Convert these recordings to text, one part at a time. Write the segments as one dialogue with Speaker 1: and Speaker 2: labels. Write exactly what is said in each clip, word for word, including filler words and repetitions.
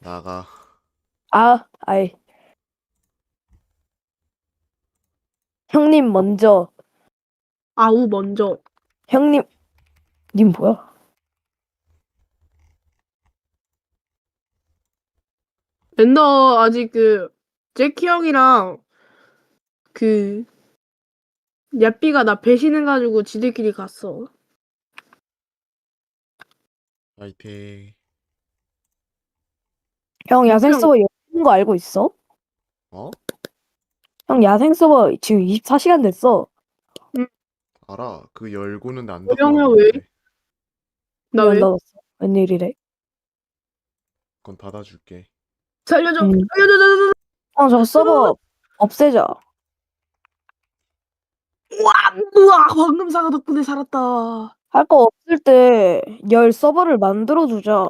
Speaker 1: 나가.
Speaker 2: 아, 아이. 형님 먼저.
Speaker 3: 아우 먼저.
Speaker 2: 형님, 님 뭐야?
Speaker 3: 엔더 아직 그 제키 형이랑 그 야삐가 나 배신해가지고 지들끼리 갔어.
Speaker 1: 파이팅.
Speaker 2: 형 야생
Speaker 3: 형.
Speaker 2: 서버 열린 거 알고 있어?
Speaker 1: 어?
Speaker 2: 형 야생 서버 지금 이십사 시간 됐어.
Speaker 1: 알아. 그 열고는 안
Speaker 3: 형이야 왜?
Speaker 1: 닫아놨는데.
Speaker 3: 나
Speaker 2: 왜 안
Speaker 3: 왜?
Speaker 2: 닫았어? 웬일이래?
Speaker 1: 그건 닫아줄게.
Speaker 3: 살려줘.
Speaker 2: 음.
Speaker 3: 살려줘. 살려줘.
Speaker 2: 형 저 서버 없애자.
Speaker 3: 우와, 우와, 황금사가 덕분에 살았다.
Speaker 2: 할 거 없을 때 열 서버를 만들어 주자.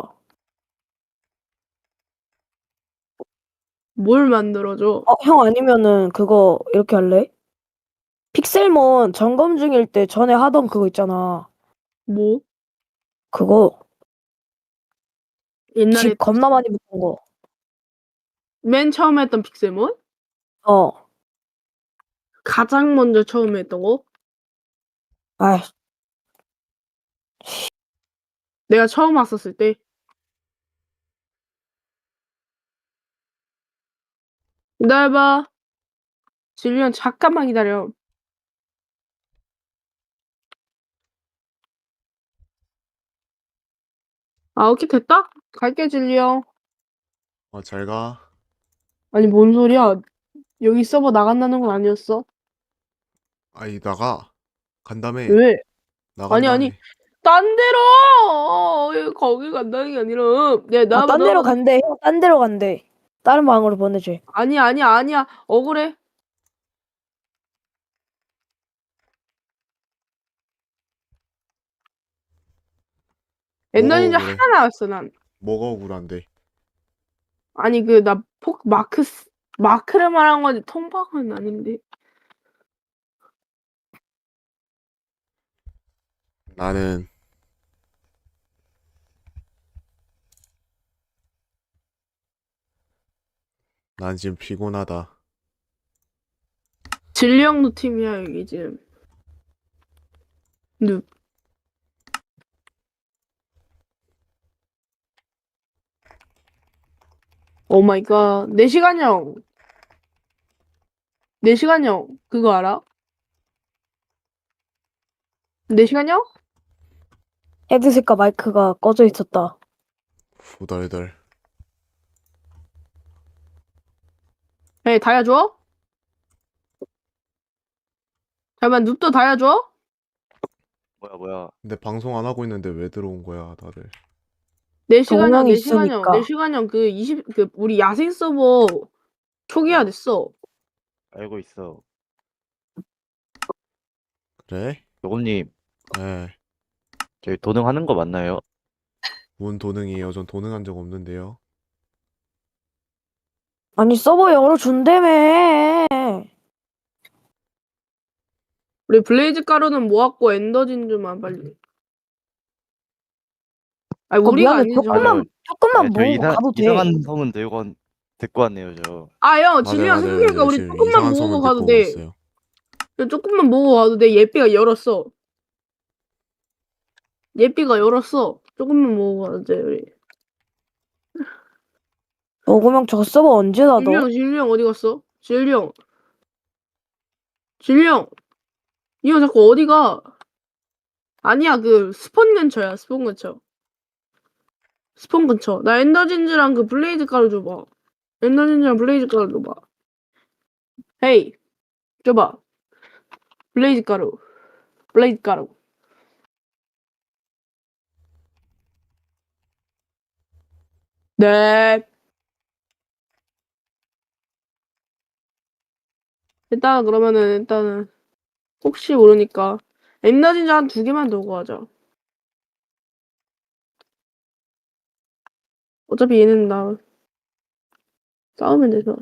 Speaker 3: 뭘 만들어줘?
Speaker 2: 어, 형 아니면은 그거 이렇게 할래? 픽셀몬 점검 중일 때 전에 하던 그거 있잖아.
Speaker 3: 뭐?
Speaker 2: 그거
Speaker 3: 옛날에
Speaker 2: 집 겁나 많이 붙은 거.
Speaker 3: 맨 처음에 했던 픽셀몬?
Speaker 2: 어.
Speaker 3: 가장 먼저 처음에 했던 거?
Speaker 2: 아이,
Speaker 3: 내가 처음 왔었을 때. 기다려봐. 질리언 잠깐만 기다려. 아 오케이 됐다? 갈게 질리언.
Speaker 1: 어, 잘 가.
Speaker 3: 아니 뭔 소리야? 여기 서버 나간다는 건 아니었어?
Speaker 1: 아이, 나가. 간다며.
Speaker 3: 왜? 아니
Speaker 1: 나간다며.
Speaker 3: 아니 딴 데로! 어, 거기 간다는 게 아니라 야
Speaker 2: 아,
Speaker 3: 나와봐
Speaker 2: 딴 데로
Speaker 3: 나와봐.
Speaker 2: 간대. 형, 딴 데로 간대. 다른 방으로 보내줘.
Speaker 3: 아니야 아니야 아니야 억울해.
Speaker 1: 뭐가
Speaker 3: 엔더진저
Speaker 1: 억울해?
Speaker 3: 하나 나왔어 난.
Speaker 1: 뭐가 억울한데?
Speaker 3: 아니 그 나 폭 마크 마크를 말한 거지 통방은 아닌데.
Speaker 1: 나는 난 지금 피곤하다.
Speaker 3: 진리형도 팀이야 여기 지금. 눕. 오 마이 갓. 네 시간형. 네 시간형 그거 알아? 네 시간형?
Speaker 2: 헤드셋과 마이크가 꺼져 있었다.
Speaker 1: 후덜덜.
Speaker 3: 에이 다야 줘? 잠깐만 눕도 다야 줘?
Speaker 4: 뭐야 뭐야.
Speaker 1: 근데 방송 안 하고 있는데 왜 들어온 거야, 다들?
Speaker 3: 네 시간형
Speaker 2: 동영이
Speaker 3: 네 시간형
Speaker 2: 있으니까.
Speaker 3: 네 시간형 그 이십 그 우리 야생 서버 초기화 됐어.
Speaker 4: 알고 있어.
Speaker 1: 그래?
Speaker 4: 요금님,
Speaker 1: 에.
Speaker 4: 저희 도능하는 거 맞나요?
Speaker 1: 뭔 도능이에요? 전 도능한 적 없는데요.
Speaker 2: 아니 서버 열어준다며.
Speaker 3: 우리 블레이즈 가루는 모았고 엔더진주만 빨리. 아니
Speaker 2: 어,
Speaker 3: 우리가
Speaker 2: 미안해.
Speaker 3: 아니죠.
Speaker 4: 맞아.
Speaker 2: 조금만 조금만
Speaker 4: 네, 저
Speaker 2: 모으고
Speaker 4: 이상
Speaker 2: 가도 돼.
Speaker 4: 이상한 성은 들고 온- 데리고 왔네요 저.
Speaker 3: 아형
Speaker 1: 맞아요,
Speaker 3: 진리형
Speaker 1: 맞아요,
Speaker 3: 생각해니까
Speaker 1: 맞아요.
Speaker 3: 우리
Speaker 1: 지금
Speaker 3: 조금만
Speaker 1: 이상한
Speaker 3: 모으고
Speaker 1: 소문
Speaker 3: 가도
Speaker 1: 듣고 오고
Speaker 3: 돼.
Speaker 1: 있어요.
Speaker 3: 그냥 조금만 모으고 가도 돼. 예삐가 열었어. 예삐가 열었어. 조금만 모으고 가도 돼 우리.
Speaker 2: 녹음형 저 서버 언제 닫아?
Speaker 3: 진리형 진리형 어디 갔어? 진리형. 진리형. 이 형 자꾸 어디 가? 아니야 그 스폰 근처야 스폰 근처. 스폰 근처. 나 엔더진즈랑 그 블레이즈 가루 줘봐. 엔더진즈랑 블레이즈 가루 줘봐. 헤이 줘봐. 블레이즈 가루. 블레이즈 가루. 네. 일단 그러면은 일단은 혹시 모르니까 엔더진즈 한 두 개만 들고 가자. 어차피 얘는 나 싸우면 돼서.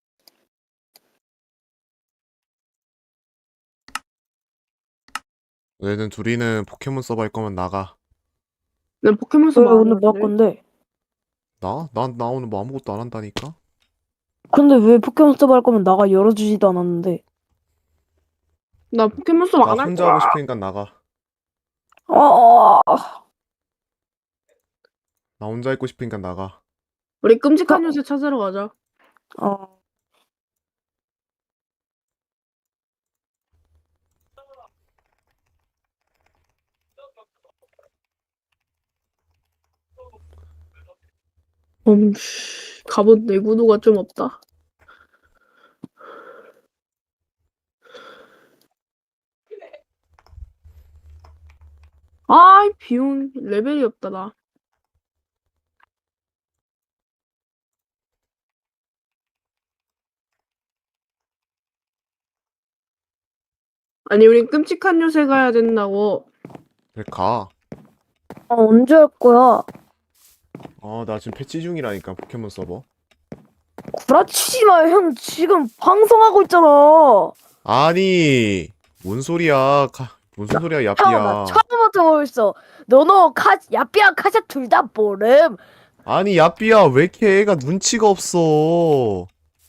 Speaker 1: 너희는 둘이는 포켓몬 서버 할 거면 나가.
Speaker 3: 난 포켓몬
Speaker 2: 왜
Speaker 3: 서버 안
Speaker 2: 오늘 뭐 할
Speaker 3: 하는데.
Speaker 2: 건데?
Speaker 1: 나? 난 나 오늘 뭐 아무것도 안 한다니까?
Speaker 2: 근데 왜 포켓몬 서버 할 거면 나가 열어주지도 않았는데.
Speaker 3: 나 포켓몬 수업
Speaker 1: 나
Speaker 3: 안 할
Speaker 1: 혼자
Speaker 3: 거야.
Speaker 1: 하고 싶으니까 나가.
Speaker 2: 어, 어, 어.
Speaker 1: 나 혼자 있고 싶으니까 나가.
Speaker 3: 우리 끔찍한 요새 찾으러 가자.
Speaker 2: 어.
Speaker 3: 음, 씨, 갑옷 내구도가 좀 없다. 아이, 비용 레벨이 없다, 나. 아니, 우리 끔찍한 요새 가야 된다고.
Speaker 1: 그래 가.
Speaker 2: 어, 언제 할 거야?
Speaker 1: 어, 나 지금 패치 중이라니까 포켓몬 서버.
Speaker 2: 구라치지 마, 형. 지금 방송하고 있잖아.
Speaker 1: 아니, 뭔 소리야? 가, 무슨 소리야,
Speaker 2: 형, 나
Speaker 1: 야삐야.
Speaker 2: 처음부터 보고 있어. 너너 카, 야삐야 카샤 둘 다 모름.
Speaker 1: 아니, 야삐야, 왜 이렇게 애가 눈치가 없어?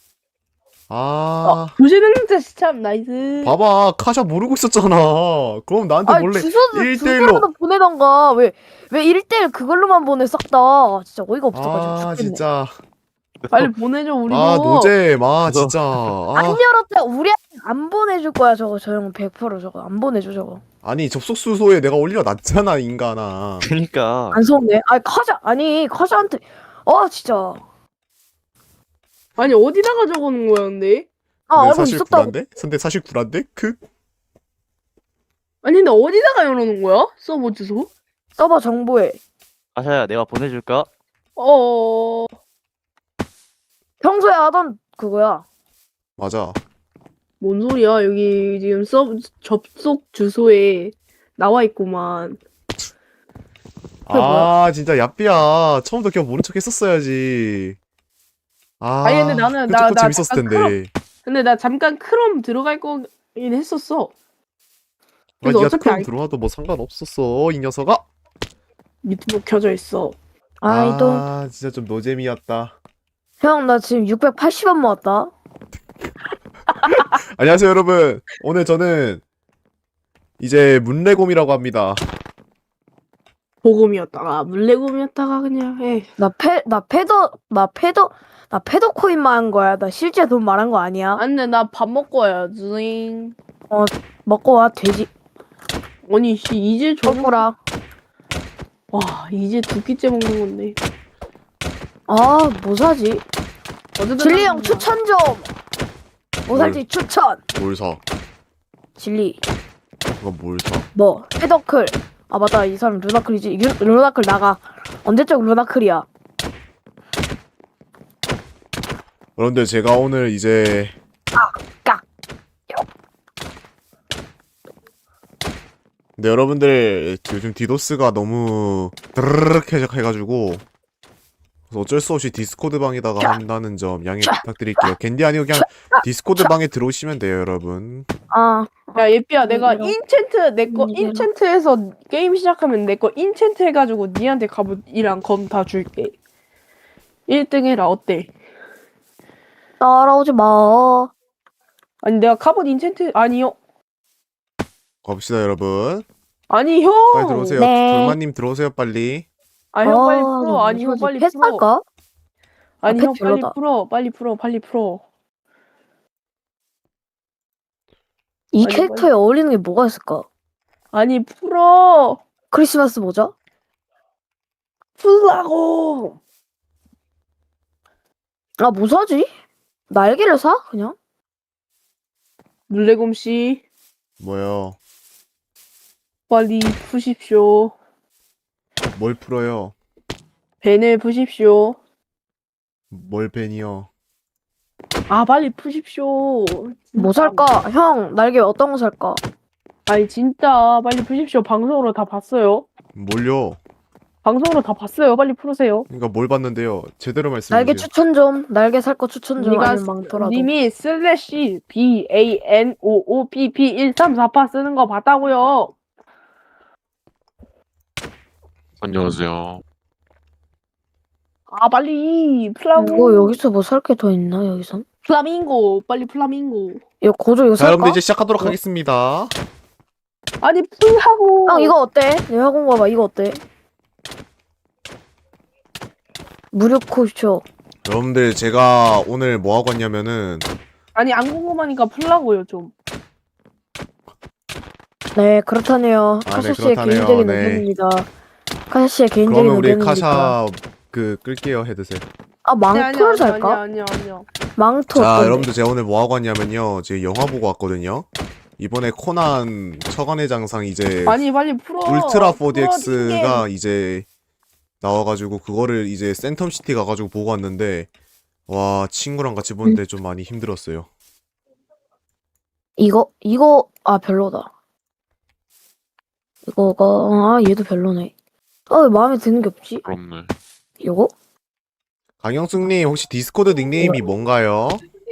Speaker 1: 아,
Speaker 3: 부시능자 참 나이스.
Speaker 1: 봐봐, 카샤 모르고 있었잖아. 그럼 나한테
Speaker 2: 아,
Speaker 1: 몰래
Speaker 2: 주소도
Speaker 1: 일 대일로.
Speaker 2: 주소라도 보내던가. 왜, 왜 일 대일 그걸로만 보내, 싹 다. 진짜 어이가 없어가지고
Speaker 1: 아,
Speaker 2: 죽겠네.
Speaker 1: 진짜.
Speaker 3: 빨리 보내줘, 우리도.
Speaker 1: 아, 노잼. 아,
Speaker 4: 그래서-
Speaker 1: 진짜.
Speaker 2: 안
Speaker 1: 아,
Speaker 2: 열었다. 우리한테 안 보내줄 거야, 저거. 저 형 백 퍼센트 저거. 안 보내줘, 저거.
Speaker 1: 아니, 접속 수소에 내가 올려놨잖아, 인간아.
Speaker 4: 그니까.
Speaker 2: 안 속네. 아니, 카샤, 아니, 카샤한테. 아, 진짜.
Speaker 3: 아니, 어디다가 적어놓은 거야, 근데?
Speaker 2: 아,
Speaker 1: 근데
Speaker 2: 알고
Speaker 1: 사실
Speaker 2: 있었다고.
Speaker 1: 구란데? 근데 사실 구란데? 그?
Speaker 3: 아니, 근데 어디다가 열어놓은 거야? 서버 주소?
Speaker 2: 서버 정보에.
Speaker 4: 아샤야, 내가 보내줄까?
Speaker 3: 어,
Speaker 2: 평소에 하던 그거야.
Speaker 1: 맞아.
Speaker 3: 뭔 소리야? 여기 지금 서 접속 주소에 나와 있구만. 그게
Speaker 1: 아, 진짜 야삐야. 처음부터 그냥 모른 척 했었어야지. 아,
Speaker 3: 아니, 근데 나는-
Speaker 1: 그
Speaker 3: 나-
Speaker 1: 조금
Speaker 3: 나
Speaker 1: 재밌었을
Speaker 3: 잠깐
Speaker 1: 텐데.
Speaker 3: 근데 나 잠깐 크롬 들어갈 거긴 했었어.
Speaker 1: 아,
Speaker 3: 그래서
Speaker 1: 니가
Speaker 3: 어차피
Speaker 1: 크롬
Speaker 3: 아이-
Speaker 1: 들어와도 뭐 상관없었어, 이 녀석아.
Speaker 3: 유튜브 켜져 있어.
Speaker 2: 아이도.
Speaker 1: 아, 진짜 좀 노잼이었다.
Speaker 2: 형, 나 지금 육백팔십 원 모았다.
Speaker 1: 안녕하세요, 여러분. 오늘 저는 이제 문레곰이라고 합니다.
Speaker 3: 보검이었다가 물레곰이었다가 그냥 에
Speaker 2: 나 패, 나 패더, 나 패더, 나 패더 코인만 한 거야. 나 실제 돈 말한 거 아니야.
Speaker 3: 안돼 나 밥 먹고 와야지.
Speaker 2: 먹고 와, 돼지.
Speaker 3: 아니 씨 이제 저녁
Speaker 2: 거꾸라.
Speaker 3: 와 이제 두 끼째 먹는 건데.
Speaker 2: 아, 뭐 사지?
Speaker 3: 어쨌든
Speaker 2: 진리 형
Speaker 3: 나-
Speaker 2: 추천 좀. 뭐 살지 추천.
Speaker 1: 뭘 사?
Speaker 2: 진리.
Speaker 1: 그거 뭘 사?
Speaker 2: 뭐 패더클. 아 맞다, 이 사람 루나클이지. 유- 루나클 나가. 언제적 루나클이야.
Speaker 1: 그런데 제가 오늘 이제
Speaker 2: 깍.
Speaker 1: 근데 여러분들 요즘 디도스가 너무 드르륵 해가지고 그래서 어쩔 수 없이 디스코드 방에다가 한다는 점 양해 부탁드릴게요. 겐디 아니고 그냥 디스코드 방에 들어오시면 돼요, 여러분.
Speaker 2: 아,
Speaker 3: 야 예삐야 내가
Speaker 2: 이리로.
Speaker 3: 인챈트 내 거
Speaker 2: 이리로.
Speaker 3: 인챈트해서 게임 시작하면 내 거 인챈트 해가지고 니한테 갑옷이랑 검 다 줄게. 일 등 해라 어때?
Speaker 2: 따라오지 마.
Speaker 3: 아니 내가 갑옷 인챈트 아니요
Speaker 1: 가봅시다, 여러분.
Speaker 3: 아니 형.
Speaker 1: 빨리 들어오세요.
Speaker 2: 네.
Speaker 1: 돌마님 들어오세요, 빨리.
Speaker 3: 아니 형 빨리
Speaker 2: 아,
Speaker 3: 풀어. 아니 형
Speaker 2: 무슨
Speaker 3: 빨리
Speaker 2: 패스
Speaker 3: 풀어.
Speaker 2: 할까?
Speaker 3: 아니
Speaker 2: 아,
Speaker 3: 형
Speaker 2: 펫
Speaker 3: 빨리
Speaker 2: 별로다.
Speaker 3: 풀어. 빨리 풀어. 빨리 풀어.
Speaker 2: 이
Speaker 3: 아니,
Speaker 2: 캐릭터에 어울리는 게 뭐가 있을까?
Speaker 3: 아니 풀어.
Speaker 2: 크리스마스 모자?
Speaker 3: 풀라고.
Speaker 2: 아, 뭐 사지? 날개를 사? 그냥?
Speaker 3: 물레곰 씨
Speaker 1: 뭐요?
Speaker 3: 빨리 푸십시오.
Speaker 1: 뭘 풀어요?
Speaker 3: 벤을 푸십시오.
Speaker 1: 뭘 벤이요?
Speaker 3: 아 빨리 푸십시오.
Speaker 2: 뭐
Speaker 3: 진짜.
Speaker 2: 살까? 형, 날개 어떤 거 살까?
Speaker 3: 아니 진짜 빨리 푸십시오. 방송으로 다 봤어요.
Speaker 1: 뭘요?
Speaker 3: 방송으로 다 봤어요. 빨리 풀으세요.
Speaker 1: 그러니까 뭘 봤는데요? 제대로 말씀해
Speaker 2: 날개
Speaker 1: 주세요.
Speaker 2: 추천 좀. 날개 살 거 추천 좀.
Speaker 3: 네가
Speaker 2: 아니면 많더라도.
Speaker 3: 님이 슬래시 B A N O O P P 일삼사팔 쓰는 거 봤다고요.
Speaker 5: 안녕하세요.
Speaker 3: 아 빨리 플라밍고.
Speaker 2: 이거 여기서 뭐 살 게 더 있나 여기선?
Speaker 3: 플라밍고 빨리 플라밍고.
Speaker 2: 이거 고조 이거
Speaker 1: 자,
Speaker 2: 살까?
Speaker 1: 여러분들 이제 시작하도록
Speaker 2: 어?
Speaker 1: 하겠습니다.
Speaker 3: 아니 풀하고.
Speaker 2: 형 이거 어때? 내 학원 가봐 이거 어때? 무료 코쇼.
Speaker 1: 여러분들 제가 오늘 뭐 하고 왔냐면은
Speaker 3: 아니 안 궁금하니까 풀라고요 좀.
Speaker 2: 네 그렇다네요.
Speaker 1: 아,
Speaker 2: 카샤
Speaker 1: 네,
Speaker 2: 씨의
Speaker 1: 그렇다네요.
Speaker 2: 개인적인
Speaker 1: 네.
Speaker 2: 의견입니다. 카샤 씨의 개인적인
Speaker 1: 그러면 우리
Speaker 2: 의견입니다.
Speaker 1: 카샤 그 끌게요 헤드셋.
Speaker 2: 아 망토를 살까?
Speaker 3: 아니야 아니야 아니야.
Speaker 2: 망토
Speaker 1: 자,
Speaker 2: 어떤데?
Speaker 1: 여러분들 제가 오늘 뭐 하고 왔냐면요. 지금 영화 보고 왔거든요. 이번에 코난 처간의 장상 이제
Speaker 3: 아니 빨리 풀어.
Speaker 1: 울트라
Speaker 3: 풀어,
Speaker 1: 포디엑스가 이제 나와가지고 그거를 이제 센텀시티 가가지고 보고 왔는데 와 친구랑 같이 보는데 좀 많이 힘들었어요.
Speaker 2: 이거 이거 아 별로다. 이거가 아 얘도 별로네. 아왜 마음에 드는 게 없지?
Speaker 4: 부럽네.
Speaker 2: 이거?
Speaker 1: 강영숙님 혹시 디스코드 닉네임이 뭔가요?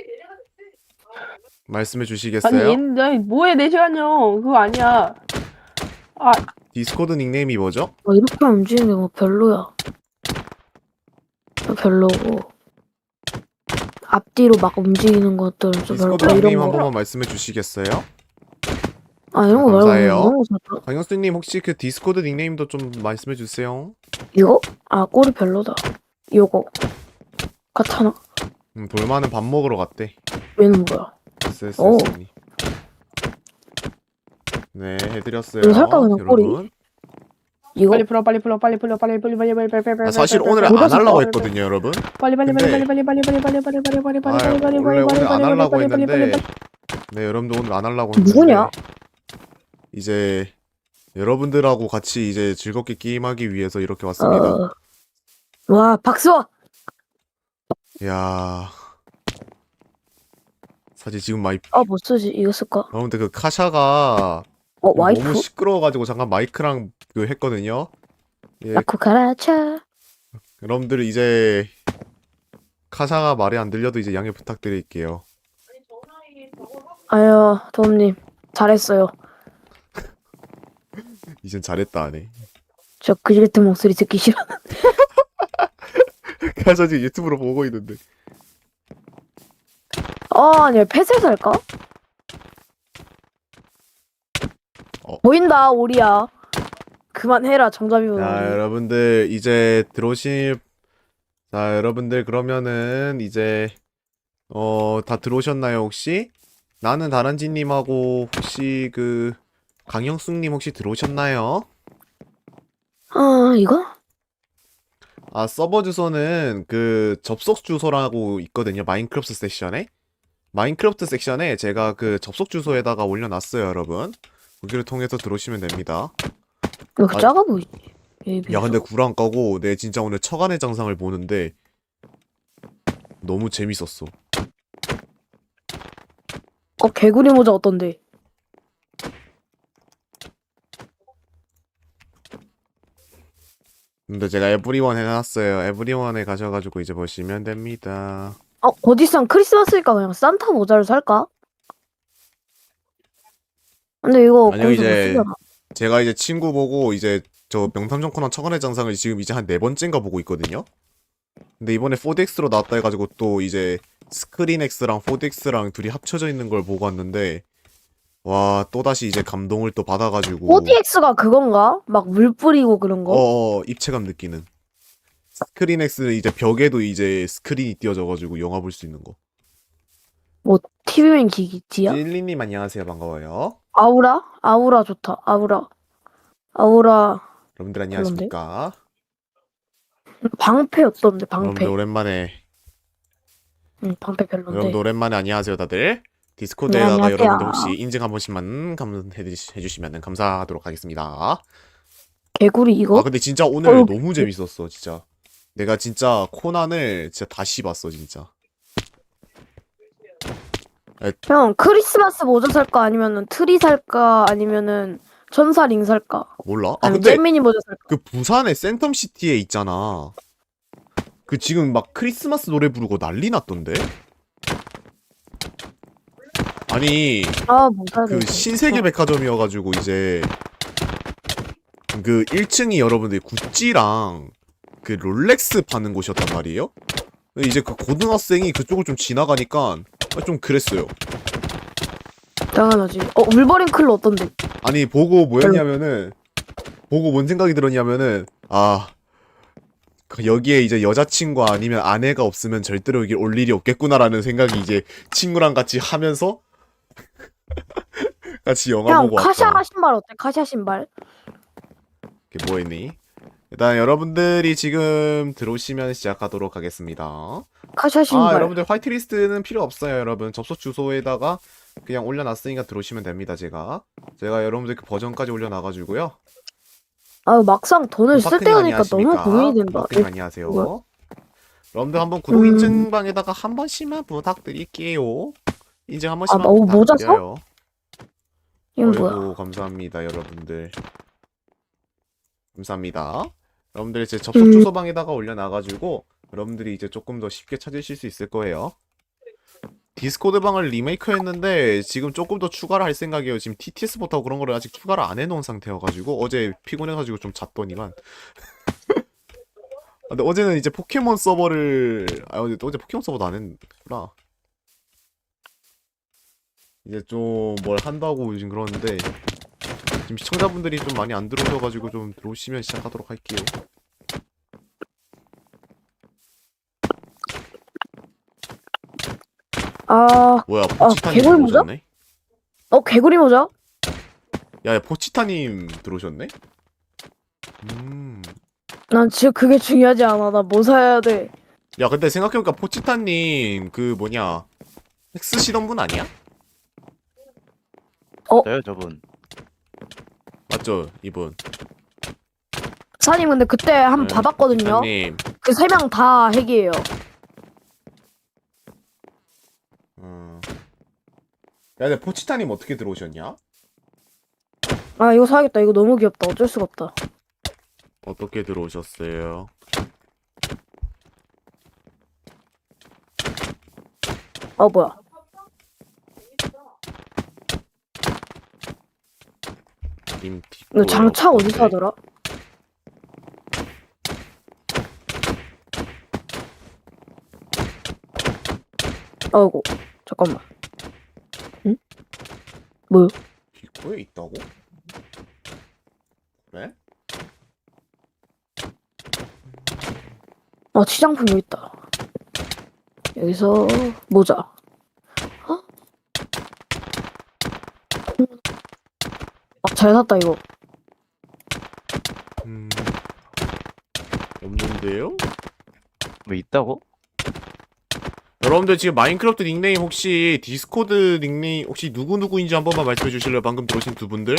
Speaker 1: 말씀해
Speaker 3: 아니
Speaker 1: 주시겠어요?
Speaker 3: 얘는 아니, 뭐해 네 시간요. 그거 아니야. 아
Speaker 1: 디스코드 닉네임이 뭐죠?
Speaker 2: 아, 이렇게 움직이는 게 뭐 별로야. 아, 별로고 앞뒤로 막 움직이는 것들은 좀 별로.
Speaker 1: 디스코드
Speaker 2: 아,
Speaker 1: 닉네임
Speaker 2: 이런
Speaker 1: 한
Speaker 2: 거.
Speaker 1: 번만 말씀해 주시겠어요?
Speaker 2: 아 이런 거 말고
Speaker 1: 감사해요.
Speaker 2: 이런 거 살까?
Speaker 1: 강영숙님 혹시 그 디스코드 닉네임도 좀 말씀해 주세요.
Speaker 2: 이거? 아 꼬리 별로다. 요거 같아나?
Speaker 1: 음, 돌마는 밥 먹으러 갔대.
Speaker 2: 얘는 뭐야? 오.
Speaker 1: 에스에스님. 네, 해드렸어요.
Speaker 2: 이거 살까, 그냥 꼬리?
Speaker 1: 여러분.
Speaker 2: 이거?
Speaker 3: 빨리 풀어 빨리 풀어 빨리 풀어 빨리 빨리 빨리 빨리 빨리 빨리
Speaker 1: 아, 사실
Speaker 3: 빨리,
Speaker 1: 오늘
Speaker 3: 빨리,
Speaker 1: 안
Speaker 3: 빨리,
Speaker 1: 하려고
Speaker 3: 빨리,
Speaker 1: 했거든요, 여러분.
Speaker 3: 빨리 빨리
Speaker 1: 근데-
Speaker 3: 빨리 빨리 빨리 빨리 빨리 빨리 빨리 빨리 빨리
Speaker 1: 아,
Speaker 3: 빨리 빨리
Speaker 1: 원래
Speaker 3: 빨리
Speaker 1: 오늘 안
Speaker 3: 빨리
Speaker 1: 하려고
Speaker 3: 빨리 빨리
Speaker 1: 했는데,
Speaker 3: 빨리
Speaker 1: 네, 여러분들 오늘 안 하려고 했는데,
Speaker 2: 누구냐?
Speaker 1: 이제 여러분들하고 같이 이제 즐겁게 게임하기 위해서 이렇게 왔습니다.
Speaker 2: 어... 와 박수!
Speaker 1: 야, 사실 지금 마이
Speaker 2: 아뭐 쓰지? 이거 쓸까?
Speaker 1: 여러분들 그 카샤가
Speaker 2: 어 와이프?
Speaker 1: 너무 시끄러워가지고 잠깐 마이크랑 그 했거든요. 예,
Speaker 2: 나쿠 카라차.
Speaker 1: 여러분들 이제 카샤가 말이 안 들려도 이제 양해 부탁드릴게요.
Speaker 2: 아유 도움님 잘했어요.
Speaker 1: 이젠 잘했다 하네.
Speaker 2: 저 그지 같은 목소리 듣기 싫어.
Speaker 1: 카샤 지금 유튜브로 보고 있는데.
Speaker 2: 아 아니야 펫을 살까?
Speaker 1: 어.
Speaker 2: 보인다 오리야. 그만해라 정답이면.
Speaker 1: 자, 여러분들 이제 들어오실 자, 여러분들 그러면은 이제 어, 다 들어오셨나요, 혹시? 나는 다란지 님하고 혹시 그 강영숙 님 혹시 들어오셨나요?
Speaker 2: 아 이거?
Speaker 1: 아, 서버 주소는 그 접속 주소라고 있거든요. 마인크래프트 섹션에. 마인크래프트 섹션에 제가 그 접속 주소에다가 올려놨어요, 여러분. 거기를 통해서 들어오시면 됩니다.
Speaker 2: 왜 이렇게
Speaker 1: 아,
Speaker 2: 작아 보이지? 얘
Speaker 1: 야,
Speaker 2: 비해서.
Speaker 1: 근데 구랑 까고 내 진짜 오늘 처간의 장상을 보는데 너무 재밌었어.
Speaker 2: 어 개구리 모자 어떤데?
Speaker 1: 근데 제가 에브리원 해놨어요. 에브리원에 가셔가지고 이제 보시면 됩니다.
Speaker 2: 어 어디선 크리스마스니까 그냥 산타 모자를 살까? 근데 이거
Speaker 1: 아니요,
Speaker 2: 거기서 못
Speaker 1: 이제
Speaker 2: 쓰잖아.
Speaker 1: 제가 이제 친구 보고 이제 저 명탐정 코난 처간의 장상을 지금 이제 한 네 번째인가 보고 있거든요. 근데 이번에 포디엑스로 나왔다 해가지고 또 이제 스크린엑스랑 포디엑스랑 둘이 합쳐져 있는 걸 보고 왔는데 와, 또다시 이제 감동을 또 받아가지고
Speaker 2: 포디엑스가 그건가? 막 물 뿌리고 그런 거?
Speaker 1: 어, 입체감 느끼는. 스크린엑스는 이제 벽에도 이제 스크린이 띄워져가지고 영화 볼 수 있는 거.
Speaker 2: 뭐 티비맨 기기지야?
Speaker 1: 찔리님 안녕하세요, 반가워요.
Speaker 2: 아우라? 아우라 좋다. 아우라. 아우라.
Speaker 1: 여러분들 안녕하십니까?
Speaker 2: 방패 어떤데? 방패.
Speaker 1: 여러분들 오랜만에
Speaker 2: 응, 방패 별론데.
Speaker 1: 여러분들 오랜만에 안녕하세요, 다들.
Speaker 2: 네,
Speaker 1: 디스코드에다가
Speaker 2: 안녕하세요.
Speaker 1: 여러분들 혹시 인증 한 번씩만 해주시면 감사하도록 하겠습니다.
Speaker 2: 개구리 이거?
Speaker 1: 아, 근데 진짜 오늘
Speaker 2: 어,
Speaker 1: 너무 재밌었어, 진짜. 내가 진짜 코난을 진짜 다시 봤어, 진짜.
Speaker 2: 형 크리스마스 모자 살까? 아니면은 트리 살까? 아니면은 천사 링 살까?
Speaker 1: 몰라? 아,
Speaker 2: 아니면
Speaker 1: 근데
Speaker 2: 잼미니 모자 살까?
Speaker 1: 그 부산의 센텀시티에 있잖아. 그 지금 막 크리스마스 노래 부르고 난리 났던데? 아니,
Speaker 2: 아, 뭐 사야
Speaker 1: 그
Speaker 2: 돼?
Speaker 1: 신세계 백화점이어가지고 이제 그 일 층이 여러분들 구찌랑 그 롤렉스 파는 곳이었단 말이에요. 근데 이제 그 고등학생이 그쪽을 좀 지나가니까 좀 그랬어요.
Speaker 2: 당연하지. 어 울버린 클로 어떤데?
Speaker 1: 아니 보고 뭐였냐면은 보고 뭔 생각이 들었냐면은 아 그 여기에 이제 여자친구 아니면 아내가 없으면 절대로 여기 올 일이 없겠구나라는 생각이 이제 친구랑 같이 하면서 같이 영화
Speaker 2: 형
Speaker 1: 보고
Speaker 2: 카샤
Speaker 1: 왔다.
Speaker 2: 신발 어때? 카샤 신발?
Speaker 1: 이게 뭐했니? 일단 여러분들이 지금 들어오시면 시작하도록 하겠습니다.
Speaker 2: 카샤
Speaker 1: 아
Speaker 2: 신발.
Speaker 1: 여러분들 화이트리스트는 필요 없어요. 여러분 접속 주소에다가 그냥 올려놨으니까 들어오시면 됩니다. 제가 제가 여러분들 그 버전까지 올려놔가지고요.
Speaker 2: 아 막상 돈을 쓸
Speaker 1: 파크님
Speaker 2: 때니까 너무
Speaker 1: 안녕하십니까?
Speaker 2: 고민이 된다.
Speaker 1: 파크님 안녕하세요.
Speaker 2: 뭐야?
Speaker 1: 여러분들 한번 구독
Speaker 2: 음.
Speaker 1: 인증방에다가 한 번씩만 부탁드릴게요. 인증 한 번씩만
Speaker 2: 아, 뭐, 모자 사?
Speaker 1: 부탁드려요.
Speaker 2: 이건 뭐야?
Speaker 1: 어이구 감사합니다 여러분들. 감사합니다. 여러분들 이제 접속
Speaker 2: 음.
Speaker 1: 주소방에다가 올려놔가지고 여러분들이 이제 조금 더 쉽게 찾으실 수 있을 거예요. 디스코드 방을 리메이크했는데 지금 조금 더 추가를 할 생각이에요. 지금 티티에스부터 그런 거를 아직 추가를 안 해놓은 상태여가지고 어제 피곤해가지고 좀 잤더니만. 아, 근데 어제는 이제 포켓몬 서버를 아 어제 어제 포켓몬 서버도 안 했구나. 이제 좀 뭘 한다고 요즘 그러는데 지금 시청자분들이 좀 많이 안 들어오셔가지고 좀 들어오시면 시작하도록 할게요.
Speaker 2: 아,
Speaker 1: 뭐야 포치타님
Speaker 2: 개구리 모자?
Speaker 1: 들어오셨네?
Speaker 2: 어 개구리 모자?
Speaker 1: 야, 야 포치타님 들어오셨네? 음.
Speaker 2: 난 지금 그게 중요하지 않아. 나 뭐 사야 돼?
Speaker 1: 야 근데 생각해보니까 포치타님 그 뭐냐 핵 쓰시던 분 아니야?
Speaker 4: 저요 저분.
Speaker 1: 맞죠 이분.
Speaker 2: 사님 근데 그때 한 번
Speaker 1: 네,
Speaker 2: 받았거든요.
Speaker 1: 포치타님.
Speaker 2: 그 세 명 다 핵이에요.
Speaker 1: 음. 야 근데 포치타님 어떻게 들어오셨냐?
Speaker 2: 아 이거 사야겠다. 이거 너무 귀엽다. 어쩔 수가 없다.
Speaker 1: 어떻게 들어오셨어요?
Speaker 2: 어 뭐야?
Speaker 1: 님
Speaker 2: 이거 장착
Speaker 1: 뒷골
Speaker 2: 어디서 하더라? 아이고 잠깐만. 응? 뭐요?
Speaker 1: 뒷골에 있다고? 그래?
Speaker 2: 아 치장품 여기 있다. 여기서 모자. 어? 아, 잘 샀다 이거.
Speaker 1: 음. 없는데요?
Speaker 4: 뭐 있다고?
Speaker 1: 여러분들 지금 마인크래프트 닉네임 혹시 디스코드 닉네임 혹시 누구누구인지 한 번만 말씀해 주실래요? 방금 들어오신 두 분들?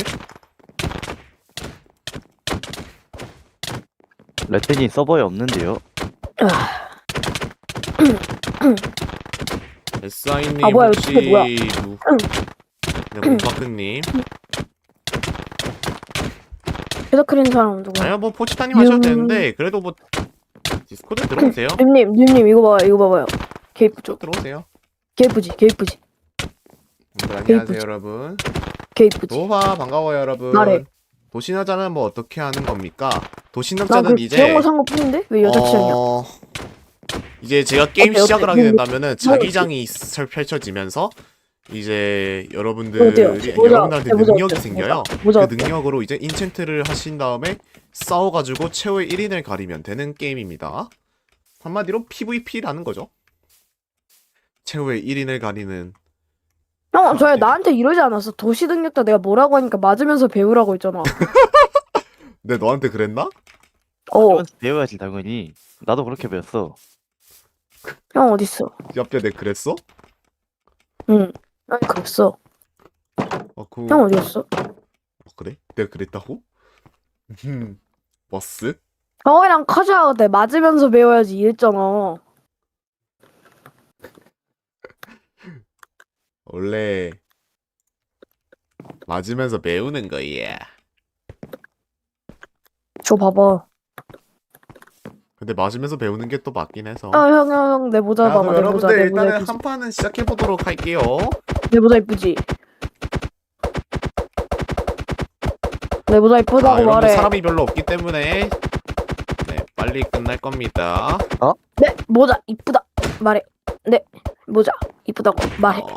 Speaker 4: 레텐이 서버에 없는데요.
Speaker 1: 에스아이님
Speaker 2: 아, 뭐야,
Speaker 1: 혹시
Speaker 2: 이거 뭐야?
Speaker 1: 누... 네, 몬파크님
Speaker 2: 회사 크린 사람 누구?
Speaker 1: 아니요 뭐 포치타님 하셔도
Speaker 2: 음.
Speaker 1: 되는데 그래도 뭐 디스코드 들어오세요.
Speaker 2: 님님 님님 이거 봐요 이거 봐봐요. 개 이쁘죠?
Speaker 1: 쭉 들어오세요.
Speaker 2: 개 이쁘지 개 이쁘지
Speaker 1: 네, 안녕하세요
Speaker 2: 이쁘지?
Speaker 1: 여러분.
Speaker 2: 개 이쁘지.
Speaker 1: 노화 반가워요 여러분.
Speaker 2: 말해.
Speaker 1: 도시남자는 뭐 어떻게 하는 겁니까?
Speaker 2: 나그
Speaker 1: 도시남자는 이제
Speaker 2: 귀여운 거 산 거 뿐인데 왜 여자 취향이야?
Speaker 1: 어... 이제 제가 게임
Speaker 2: 어때,
Speaker 1: 시작을
Speaker 2: 어때?
Speaker 1: 하게
Speaker 2: 뭐,
Speaker 1: 된다면은 자기장이 설- 펼쳐지면서 이제
Speaker 2: 어때요?
Speaker 1: 여러분들이
Speaker 2: 모자,
Speaker 1: 여러분들한테
Speaker 2: 모자
Speaker 1: 능력이
Speaker 2: 어때요?
Speaker 1: 생겨요.
Speaker 2: 모자
Speaker 1: 그
Speaker 2: 어때요?
Speaker 1: 능력으로 이제 인챈트를 하신 다음에 싸워가지고 최후의 일 인을 가리면 되는 게임입니다. 한마디로 피브이피라는 거죠. 최후의 일 인을 가리는.
Speaker 2: 형, 저야 나한테 이러지 않았어. 도시 능력자 내가 뭐라고 하니까 맞으면서 배우라고 했잖아.
Speaker 1: 내 너한테 그랬나?
Speaker 2: 어,
Speaker 4: 배워야지, 배워야지 당연히. 나도 그렇게 배웠어.
Speaker 2: 형 어딨어?
Speaker 1: 옆에 내 그랬어?
Speaker 2: 응, 형 그랬어.
Speaker 1: 어, 그...
Speaker 2: 형 어디였어?
Speaker 1: 어, 그래? 내가 그랬다고? 음, 버스?
Speaker 2: 형이랑 카즈하고 내 맞으면서 배워야지 이랬잖아.
Speaker 1: 원래 맞으면서 배우는 거야.
Speaker 2: 저 봐봐.
Speaker 1: 근데 맞으면서 배우는 게 또 맞긴 해서.
Speaker 2: 아, 형, 형, 형, 내 모자
Speaker 1: 자, 그럼
Speaker 2: 봐봐. 내 모자,
Speaker 1: 여러분들
Speaker 2: 내 모자
Speaker 1: 일단은
Speaker 2: 이쁘지?
Speaker 1: 한 판은 시작해 보도록 할게요.
Speaker 2: 내 모자 이쁘지? 내 모자
Speaker 1: 자,
Speaker 2: 이쁘다고
Speaker 1: 여러분
Speaker 2: 말해.
Speaker 1: 사람이 별로 없기 때문에 네, 빨리 끝날 겁니다.
Speaker 2: 네, 모자 이쁘다. 말해. 네, 모자 이쁘다고 말해.
Speaker 1: 어...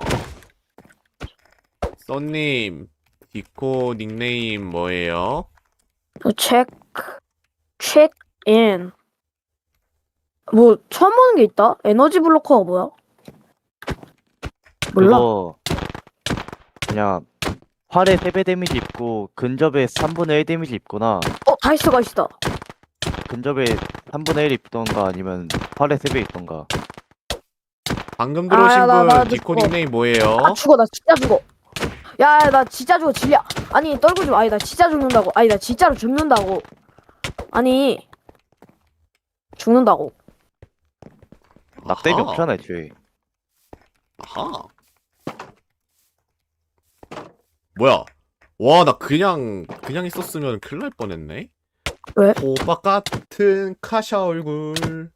Speaker 1: 써님, 디코 닉네임 뭐예요?
Speaker 2: 어, 체크, 체크인. 뭐 처음 보는 게 있다? 에너지 블로커가 뭐야? 몰라.
Speaker 4: 그거 그냥 활에 세 배 데미지 입고 근접에 삼분의 일 데미지 입거나
Speaker 2: 어, 다이스가 있다.
Speaker 4: 근접에 삼분의 일 입던가 아니면 활에 세 배 입던가.
Speaker 1: 방금 들어오신
Speaker 2: 아, 나-
Speaker 1: 분
Speaker 2: 나
Speaker 1: 디코
Speaker 2: 죽어.
Speaker 1: 닉네임 뭐예요?
Speaker 2: 아 죽어, 나 진짜 죽어. 야, 야, 나 진짜 죽어, 질려. 아니 떨구지 마. 아니 나 진짜 죽는다고. 아니 나 진짜로 죽는다고. 아니 죽는다고.
Speaker 4: 낙뎀이
Speaker 1: 아하.
Speaker 4: 없잖아 애초에.
Speaker 1: 아하. 뭐야? 와, 나 그냥 그냥 있었으면 큰일 날 뻔했네.
Speaker 2: 왜?
Speaker 1: 호박 같은 카샤 얼굴.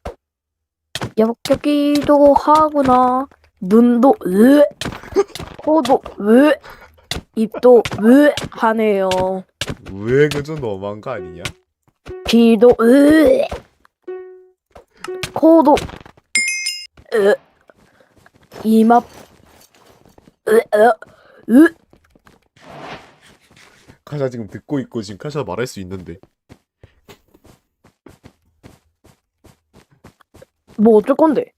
Speaker 2: 역겹기도 하구나. 눈도 으, 코도 으, 입도 으 하네요.
Speaker 1: 왜 그저 너무한 거 아니냐?
Speaker 2: 귀도 으, 코도 으, 이마 으, 으, 으.
Speaker 1: 카샤 지금 듣고 있고 지금 카샤 말할 수 있는데.
Speaker 2: 뭐 어쩔 건데?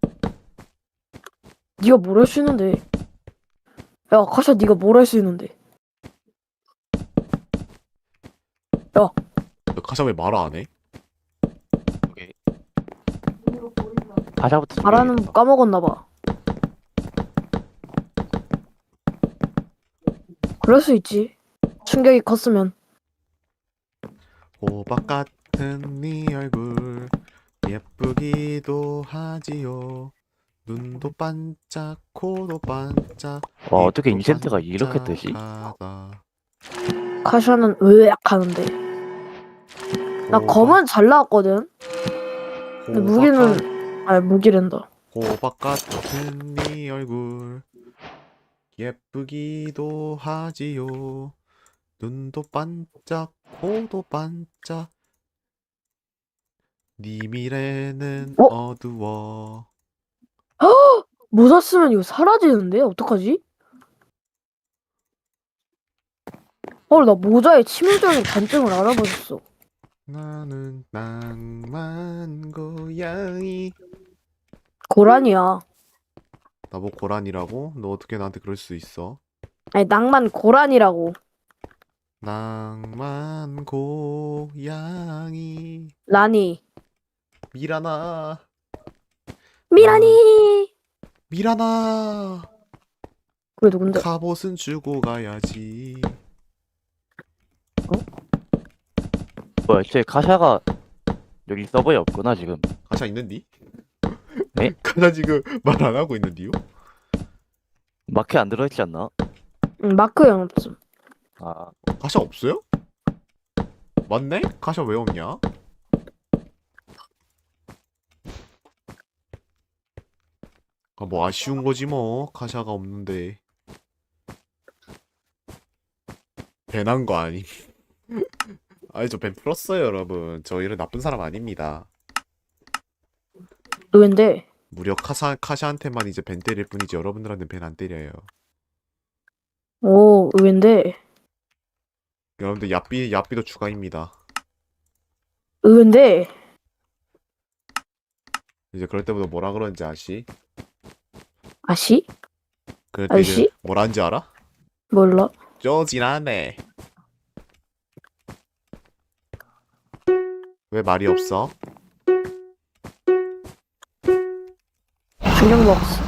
Speaker 2: 네가 뭘 할 수 있는데? 야, 카샤 네가 뭘 할 수 있는데?
Speaker 1: 너 카샤 왜 말 안 해?
Speaker 4: 오케이. 가사부터
Speaker 2: 말하는
Speaker 4: 준비해야겠다.
Speaker 2: 거 까먹었나 봐. 그럴 수 있지. 충격이 컸으면.
Speaker 1: 호박 같은 네 얼굴 예쁘기도 하지요. 눈도 반짝, 코도 반짝.
Speaker 4: 와 어떻게
Speaker 1: 입도
Speaker 4: 인센트가 이렇게 뜨지?
Speaker 1: 반짝하다.
Speaker 2: 카샤는 으악 하는데. 나
Speaker 1: 호박,
Speaker 2: 검은 잘 나왔거든. 근데
Speaker 1: 호박
Speaker 2: 무기는 아 무기랜다.
Speaker 1: 호박 같은 네 얼굴 예쁘기도 하지요. 눈도 반짝, 코도 반짝. 네 미래는
Speaker 2: 어?
Speaker 1: 어두워.
Speaker 2: 모자 쓰면 이거 사라지는데? 어떡하지? 어, 나 모자의 치명적인 단점을 알아버렸어.
Speaker 1: 나는 낭만 고양이.
Speaker 2: 고란이야.
Speaker 1: 나보고 고란이라고? 너 어떻게 나한테 그럴 수 있어?
Speaker 2: 아니 낭만 고란이라고.
Speaker 1: 낭만 고양이.
Speaker 2: 라니.
Speaker 1: 미라나.
Speaker 2: 미라니.
Speaker 1: 미라나.
Speaker 2: 그게 누군데?
Speaker 1: 갑옷은 주고 가야지.
Speaker 4: 뭐 애초에 카샤가 여기 서버에 없구나 지금.
Speaker 1: 가샤 있는디?
Speaker 4: 네?
Speaker 1: 가샤 지금 말 안 하고 있는디요?
Speaker 4: 마크 안 들어있지 않나?
Speaker 2: 응, 마크 형 없음.
Speaker 4: 아
Speaker 1: 가샤 없어요? 맞네? 가샤 왜 없냐? 아, 뭐 아쉬운 거지 뭐. 가샤가 없는데. 밴한 거 아니? 아니 저 밴 풀었어요 여러분. 저 이런 나쁜 사람 아닙니다.
Speaker 2: 너인데.
Speaker 1: 무려 카샤, 카샤한테만 이제 밴 때릴 뿐이지 여러분들한테 밴 안 때려요.
Speaker 2: 오, 의외인데.
Speaker 1: 여러분들 야삐, 야삐도 추가입니다.
Speaker 2: 의외인데.
Speaker 1: 이제 그럴 때부터 뭐라 그러는지 아시?
Speaker 2: 아시?
Speaker 1: 그럴 때 이제
Speaker 2: 아시?
Speaker 1: 뭐라는지 알아?
Speaker 2: 몰라.
Speaker 1: 쪼지나네. 왜 말이 없어?
Speaker 2: 충격 먹었어.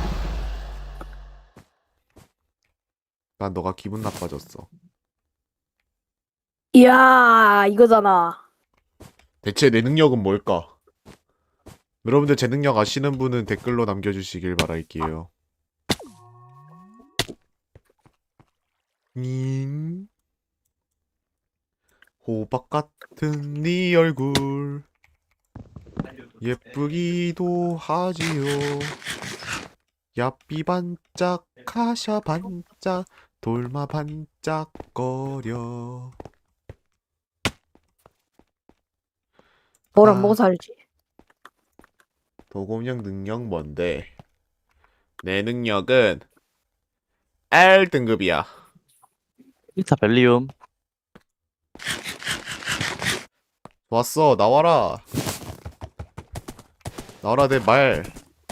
Speaker 1: 난 너가 기분 나빠졌어.
Speaker 2: 이야, 이거잖아.
Speaker 1: 대체 내 능력은 뭘까? 여러분들 제 능력 아시는 분은 댓글로 남겨주시길 바랄게요. 님 호박 같은 네 얼굴 예쁘기도 하지요. 야삐 반짝 카샤 반짝 돌마 반짝거려.
Speaker 2: 뭘
Speaker 1: 아.
Speaker 2: 안 먹어 살지.
Speaker 1: 도검령 능력 뭔데? 내 능력은 알 등급이야.
Speaker 4: 일 차 벨리움.
Speaker 1: 좋았어, 나와라. 나와라, 내 말.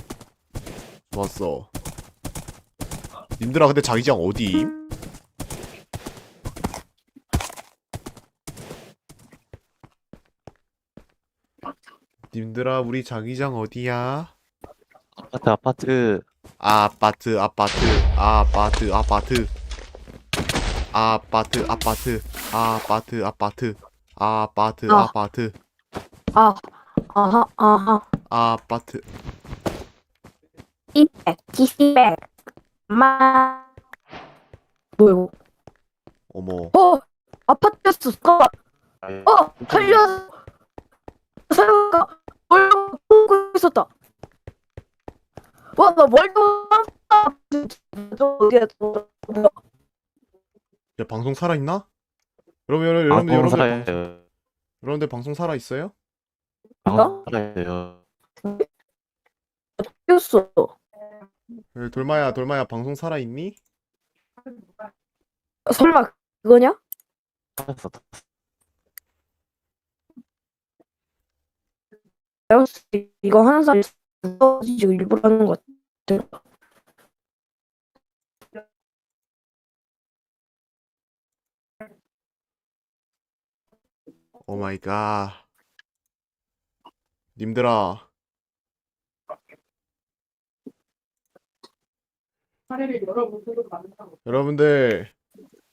Speaker 1: 좋았어. 님들아, 근데 자기장 어디임? 님들아, 우리 자기장 어디야?
Speaker 4: 아파트, 아파트.
Speaker 1: 아파트, 아파트, 아파트, 아파트. 아파트, 아파트, 아파트, 아파트. 아파트,
Speaker 2: 아.
Speaker 1: 아파트.
Speaker 2: 아, 아하, 아하.
Speaker 1: 아파트.
Speaker 2: 이백, 기시백, 마. 뭐야 이거?
Speaker 1: 어머.
Speaker 2: 어, 아파트였어. 잠깐만. 어, 살려. 살려. 뭘 보고 있었다. 와, 나 멀도 저 어디야? 저 뭐야?
Speaker 1: 야, 방송 살아있나? 여러분, 여러분, 여러분들,
Speaker 4: 방송
Speaker 1: 여러분들,
Speaker 4: 살아야
Speaker 1: 방송,
Speaker 4: 돼요.
Speaker 1: 여러분들 방송 살아있어요?
Speaker 4: 방송 살아야 돼요.
Speaker 2: 뛰었어.
Speaker 1: 에, 돌마야, 돌마야, 방송 살아있니?
Speaker 2: 설마 그거냐?
Speaker 4: 살았어.
Speaker 2: 이거 하는 사람이 지금 일부러 하는 것 같아.
Speaker 1: 오 마이 갓. 님들아, 여러분들,